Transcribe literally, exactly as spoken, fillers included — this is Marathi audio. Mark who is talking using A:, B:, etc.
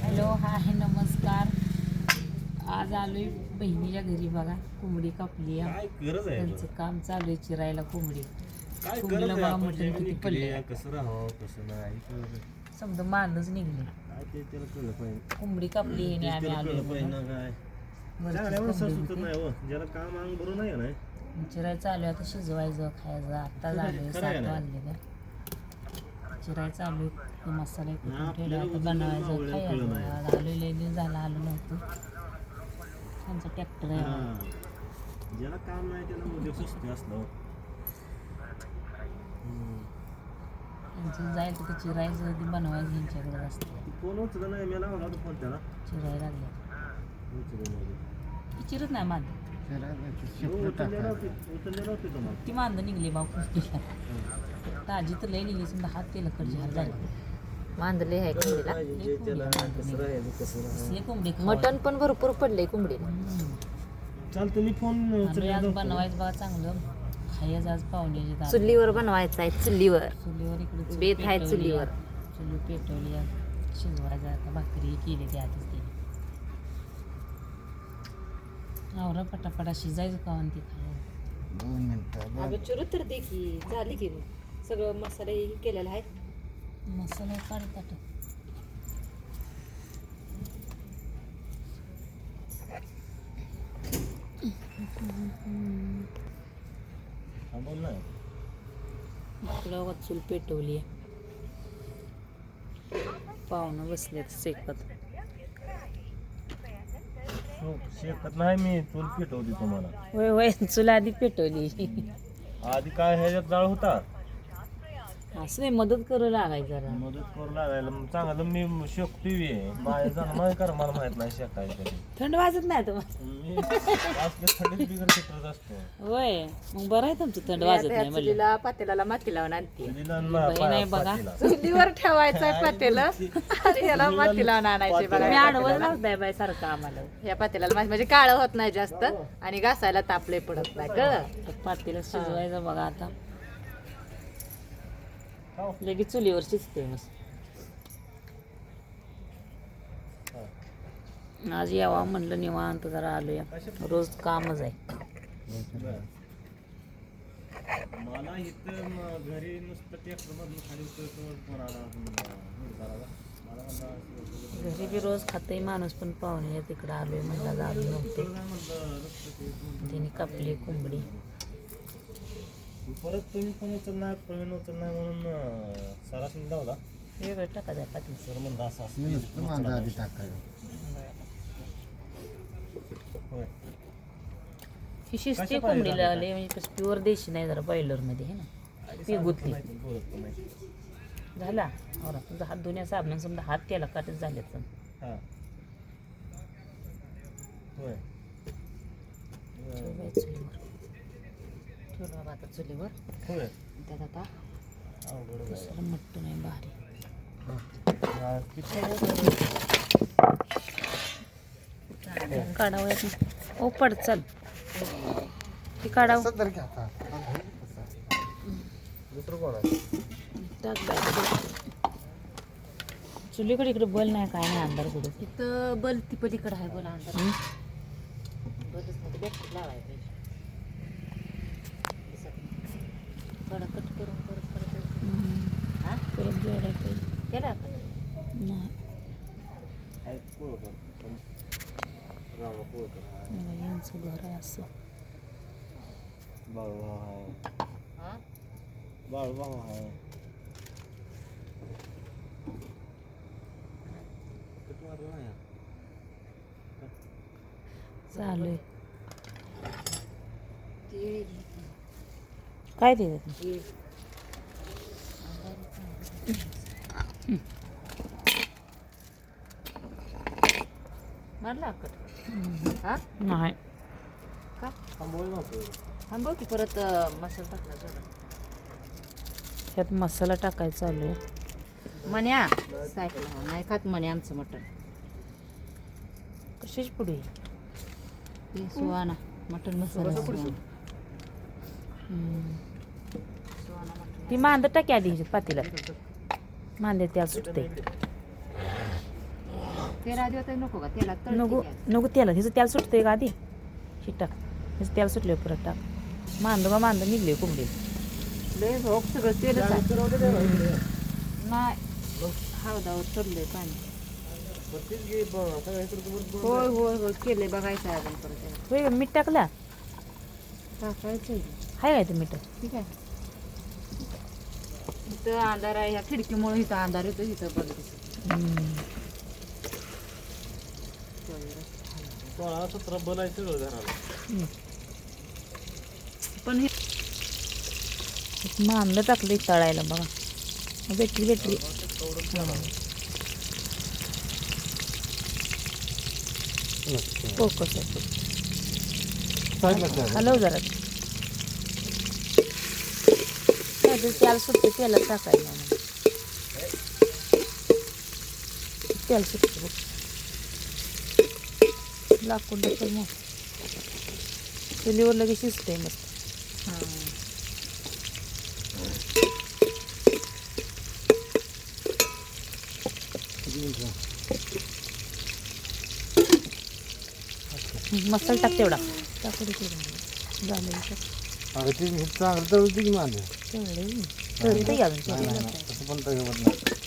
A: हॅलो हाय नमस्कार. आज आलोय बहिणीच्या घरी बघा. कोंबडी कापली आहे. त्यांचं काम चालू आहे चिरायला कोंबडी. कोंबडीला बघा मटण किती पडले.
B: कसं राहावं कसं नाही
A: समजा मानच निघले.
B: काय ते त्याला कळलं पाहिजे.
A: कोंबडी कापली आहे आणि आम्ही आलोय
B: ना काय ज्याला काम अंग बरोबर नाही ना
A: चिराय चालू आहे. आता शिजवायचं खायचं. आत्ता झालं सात वाजले. चिराय चालू आहे. मसाला कुठून ठेवला आता बनवायचं खायचं. आलो लई झाला आलो नव्हतं. त्यांचा ट्रॅक्टर आहे.
B: ज्याला काम नाही त्याला उद्योग सुस्ती असलं.
A: त्यांचं जायचं तर चिरायचं ते बनवायचं यांच्याकडे असतं.
B: फोन उचलला नाही मी लावला होता फोन त्याला
A: चिराय लागले ती चिरत नाही मांद ती मांद निघली भाऊ कुस्तीला. ताजी तर लई निघली समजा हात तेल कडझार झाले.
C: मांदले आहे कोंबडीला. मटण पण भरपूर पडले कोंबडीला.
B: चालतं मी फोन
A: बनवायचं बघा चांगलं. खायचं आज पाहुण्याची
C: चुलीवर बनवायचं आहे. चुलीवर
A: चुलीवर इकडे
C: बेत आहे चुलीवर.
A: चुली पेटवली शिजवायचं. आता भाकरी केली ती आधीच केली. आवरा पटापटा शिजायचं का ती खायला.
B: दोन मिनिटं
C: अगं चिरू तर दे की झाली की सगळं मसाला हे केलेला आहे.
A: मसाला काढ ताट.
B: बोल ना
A: तुला चूल पेटवली आहे. पाहुणं बसलेत शेकत.
B: शेकत नाही मी चूल पेटवली तुम्हाला.
A: होय होय चूल आधी पेटवली.
B: आधी काय ह्याच्यात जाळ होता.
A: असं नाही मदत करू लागायचं जरा.
B: मदत करू लागायला चांगलं मी शेकतोय. माझ्या जाणं माझ्या कर मला माहित नाही शेकायचं कधी.
A: थंड वाजत नाही तुम्हाला.
B: मी असले थंडीत बिगर पेटवत असतो.
A: होय मग बरं आहे तुमचं थंड वाजत नाही म्हणलं.
C: चुलीला पातेल्याला माती लावून आणते.
A: नाही बघा
C: चुलीवर ठेवायचं आहे पातेलं आणि याला माती लावून आणायचे बघा.
A: मी आडवं लावताय बाय सारखं आम्हाला.
C: या पातेल्याला माती म्हणजे काळं होत नाही जास्त आणि घासायला तापले पडत नाही कळलं.
A: पातेलं शिजवायचं बघा आता. लगेच चुलीवर शिजते मस्त. आज यावा म्हणलं निवांत जरा आलोया. रोज कामच आहे.
B: मला इथं घरी नुसतं ट्रॅक्टर मधून खाली उतरतो.
A: घरी बी रोज खाते माणूस पण पाहुणे तिकडं आलोय म्हणला झालं नव्हते. तिने कापली कोंबडी.
B: परत तुम्ही पण उचलणार प्रवीण उचलणार म्हणून सरासरी लावला.
A: वेगळं टाकायचं पाठी.
B: सर म्हणलं असं असं
A: ही शिजते कोंबडीला आले म्हणजे प्युअर देशी नाही जरा बॉयलरमध्ये आहे ना. ती गुतली झाला. बरं तुमचा हात धुण्या साबण समजा हात त्याला काटच झाले. चुलीवर ठेवलं बाबा आता चुलीवर. त्यात आता दुसरं मटण आहे भारी. काढावं येत नाही. ओ पड चल ती काढावं. चुलीकडे इकडे बल नाही काय नाही अंधार कुठे.
C: इथं बल ती पलीकडे आहे बोला अंदाज. बलच मध्ये बॅटरी लावायला पाहिजे. कट करून परत परत हा
A: परत जोडायला पाहिजे.
C: केला
A: नाही यांचं घर आहे असं.
B: बाळूभाऊ आहे. बाळूभाऊ आहे.
A: चालू आहे काय ते
C: मारला कट. हा
A: नाही
C: का थांबव की परत मसाला टाकला जरा.
A: ह्यात मसाला टाकायचा चालू आहे.
C: मन्या सायकल नाही खात म्हणे आमचं मटण.
A: कशीच पुढे
C: सुहाना मटण मसाला.
A: ती मांद टाकी आधी ह्याच्यात पातेल्यात. मांदे त्या सुटते.
C: तेल आधी होतं नको का तेलात तळते
A: नको
C: की आधी.
A: नको तेला ह्याचं तेल सुटतंय का आधी हे टाक ह्याचं तेल सुटले परत टाक मांद का मांद निघले कोंबडी
C: लय भोग सगळं तेलच आहे नाही हळदावर चढलंय पाणी होय होय होय केलंय बघायचं आहे अजून परत त्याला.
A: होय मीठ टाकला
C: टाकायचं आहे.
A: हाय काय ते मीठ
C: ठीक आहे इथं अंधार आहे ह्या खिडकीमुळे इथं अंधार येतो इथं बघत
A: हम्म.
B: सोळा सतरा बल आहे सगळं घराला.
A: हम्म.
C: पण हे
A: मांद टाकलं तळायला बघा भेटली भेटली फोकस हलव जरा काय ते तेल सुटते तेलात टाकायला तेल सुटते बघ लाकूड टाकलं मग चुलीवर लगेच शिजते मस्त मसाला टाक तेवढा टाकू दे तेवढा झालं
B: अगं ती चांगलं तर होती की माझं
A: तेवढे तरी ते घालून
B: तसं पण तर